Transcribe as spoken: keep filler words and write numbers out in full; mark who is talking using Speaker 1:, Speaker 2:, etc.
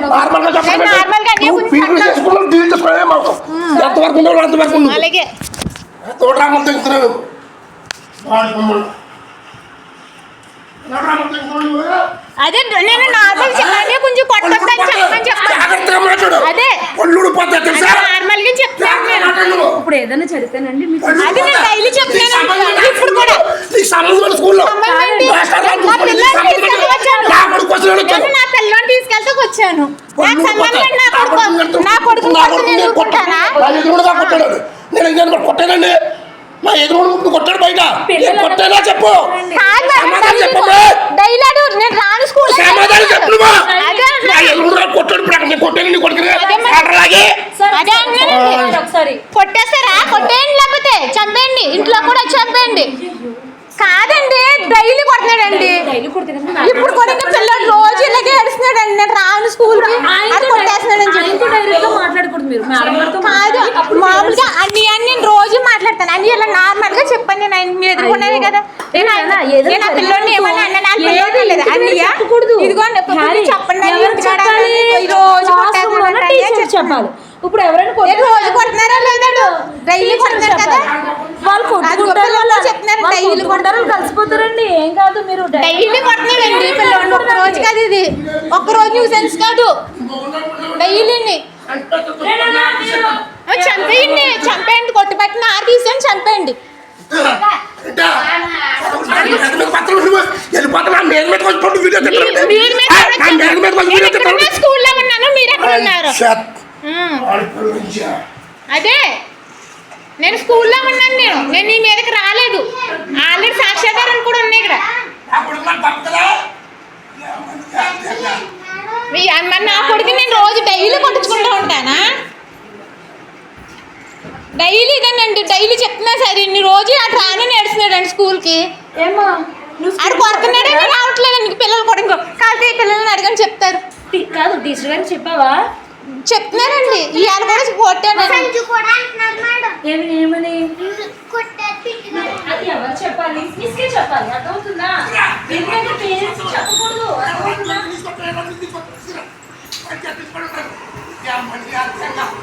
Speaker 1: నార్మల్గా చెప్పండి.
Speaker 2: నార్మల్గా అన్నీ కొంచెం
Speaker 1: పీపుల్ చేసుకున్నాం డీల్ చేసుకోవడమే మాకు ఎంతవరకు ఉండవు అంతవరకు ఉండవు.
Speaker 2: అలాగే
Speaker 1: తోటరామలు తెగుతున్నావు
Speaker 2: అదే నేను నార్మల్ చెప్పాలి కొంచెం కొట్టొద్దని చెప్పమని చెప్పాను. అదే నార్మల్ గా చెప్తాను.
Speaker 3: ఇప్పుడు ఏదైనా చదివితేనండి
Speaker 2: అది నేను డైలీ చెప్తాను. ఇప్పుడు కూడా నా పిల్లని తీసుకెళ్తే వచ్చాను. నాకు సంబంధం నా కొడుకు నా కొడుకు
Speaker 1: కొట్టానండి. మా ఎదురు కొట్టాడు బయట కొట్టేనా చెప్పు
Speaker 2: డైలాడు నేను రాను స్కూల్
Speaker 1: సమాధానం చెప్పు. కొట్టాడు కొట్టాను కొడుకులాగే
Speaker 3: ఒకసారి
Speaker 2: కొట్టేస్తారా? కొట్టేయండి లేకపోతే చంపేయండి. ఇంట్లో కూడా చంపేయండి. కాదండి డైలీ కొడుతున్నాడండి. ఇప్పుడు కూడా పిల్లలు రోజు ఇలాగే ఏడుస్తున్నాడండి. నేను రాను స్కూల్ కొట్టేస్తున్నాడని
Speaker 3: మాట్లాడకూడదు మీరు
Speaker 2: కాదు. మామూలుగా అన్ని అన్ని రోజు మాట్లాడతాను. అన్ని ఇలా నార్మల్ గా చెప్పండి. నేను మీరు ఎదుర్కొన్నది కదా. నేను ఆ పిల్లోని ఏమన్నా అన్న నాకు అన్నయ్య ఇదిగో చెప్పండి రోజు
Speaker 3: చెప్పాలి. ఇప్పుడు ఎవరైనా
Speaker 2: రోజు కొడుతున్నారా లేదా? డైలీ కొడుతున్నారు కదా.
Speaker 3: వాళ్ళు కొట్టుకుంటారు
Speaker 2: చెప్తున్నారు
Speaker 3: డైలీ కొడతారు కలిసిపోతారండి. ఏం కాదు మీరు
Speaker 2: డైలీ కొడుతున్నారండి పిల్లలు. ఒక్క రోజు కాదు ఇది. ఒక్క రోజు న్యూసెన్స్ కాదు. డైలీని చంపేయండి. చంపేయండి. కొట్టుబట్టిన ఆరు తీసుకొని చంపేయండి. స్కూల్లో ఉన్నాను. మీరు ఎక్కడ ఉన్నారు? అదే నేను స్కూల్లో ఉన్నాను. నేను నేను నీ మీదకి రాలేదు. ఆల్రెడీ సాక్ష్యాధారాలు కూడా ఉన్నాయి ఇక్కడ. మరి నా కొడుకు నేను రోజు డైలీ కొట్టించుకుంటూ ఉంటానా? డైలీ ఇదేనండి. డైలీ చెప్తున్నా సరే ఇన్ని రోజు అటు రాని నడుస్తున్నాడండి స్కూల్కి.
Speaker 3: ఏమో
Speaker 2: ఆడు కొడుతున్నాడే రావట్లేదండి. పిల్లలు కూడా ఇంకో కాదు పిల్లల్ని అడగని చెప్తారు.
Speaker 3: కాదు టీచర్ గారికి చెప్పావా?
Speaker 2: చెప్తున్నారండి. ఇవాళ కూడా కొట్టాను.
Speaker 3: ఏమని అది ఎవరు చెప్పాలి? మిస్కే చెప్పాలి. అర్థమవుతుందా? ఎందుకంటే పేరెంట్స్ చెప్పకూడదు. అర్థమవుతుందా?